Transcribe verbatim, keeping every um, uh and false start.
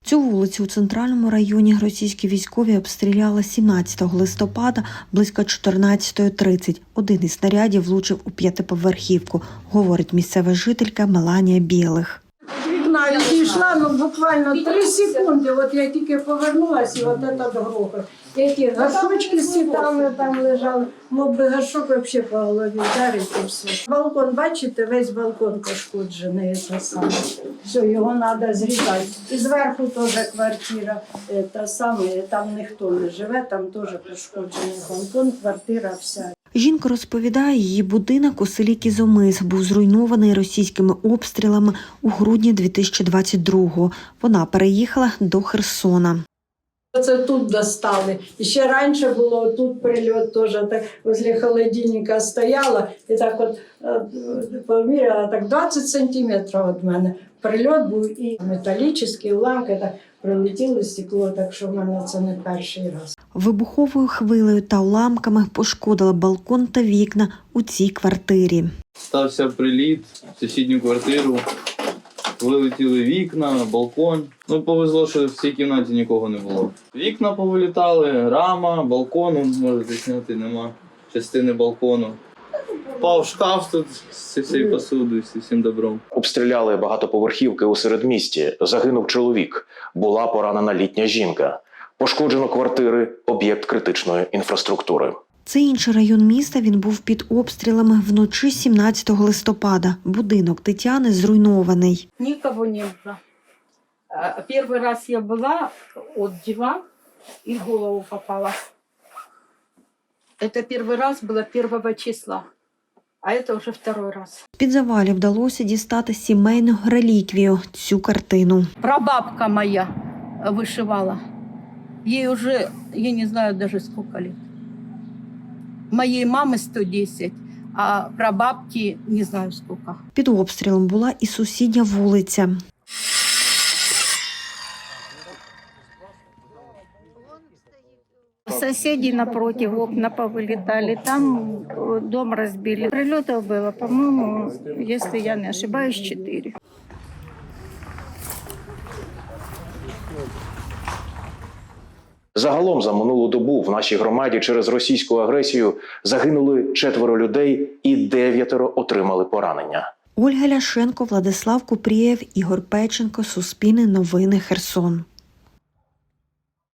Цю вулицю у центральному районі російські військові обстріляли сімнадцятого листопада близько чотирнадцятої тридцять. Один із снарядів влучив у п'ятиповерхівку, говорить місцева жителька Меланія Білих. Вікна відійшла, ну буквально три секунди, от я тільки повернулася, і от це грохот. Які горшочки з цвітами там лежали, мог би горшок взагалі по голові вдарити і все. Балкон, бачите, весь балкон пошкоджений, це саме. Все, його треба зрізати. І зверху теж квартира, та саме, там ніхто не живе, там теж пошкоджений балкон, квартира вся. Жінка розповідає, її будинок у селі Кізомис був зруйнований російськими обстрілами у грудні дві тисячі двадцять другого. Вона переїхала до Херсона. Це тут достали. І ще раніше було тут прильот теж, так возле холодильника стояла і так от поміряла, так двадцять сантиметрів від мене. Прильот був і металічні уламки, так прилетіло стекло, так що в мене це не перший раз. Вибуховою хвилею та уламками пошкодила балкон та вікна у цій квартирі. Стався приліт в сусідню квартиру, вилетіли вікна, балкон. Ну, повезло, що в цій кімнаті нікого не було. Вікна повилітали, рама, балкону, можете зняти, нема частини балкону. Впав шкаф тут з цією посудою, з цим добром. Обстріляли багатоповерхівки у середмісті. Загинув чоловік. Була поранена літня жінка. Пошкоджено квартири, об'єкт критичної інфраструктури. Це інший район міста, він був під обстрілами вночі сімнадцятого листопада. Будинок Тетяни зруйнований. Никого не было. А, Первый раз я была от дивана и в голову попала. Это первый раз было первого числа, а это уже второй раз. З-під завалів вдалося дістати сімейну реліквію – цю картину. Прабабка моя вышивала. Ей уже, я не знаю даже сколько лет. Моей мамы сто десять, а прабабки не знаю сколько. Під обстрілом була і сусідня вулиця. Соседи напротив, окна повылетали, там дом разбили. Прилетов было, по-моему, если я не ошибаюсь, четыре. Загалом за минулу добу в нашій громаді через російську агресію загинули четверо людей і дев'ятеро отримали поранення. Ольга Ляшенко, Владислав Купрієв, Ігор Печенко, Суспільне новини, Херсон.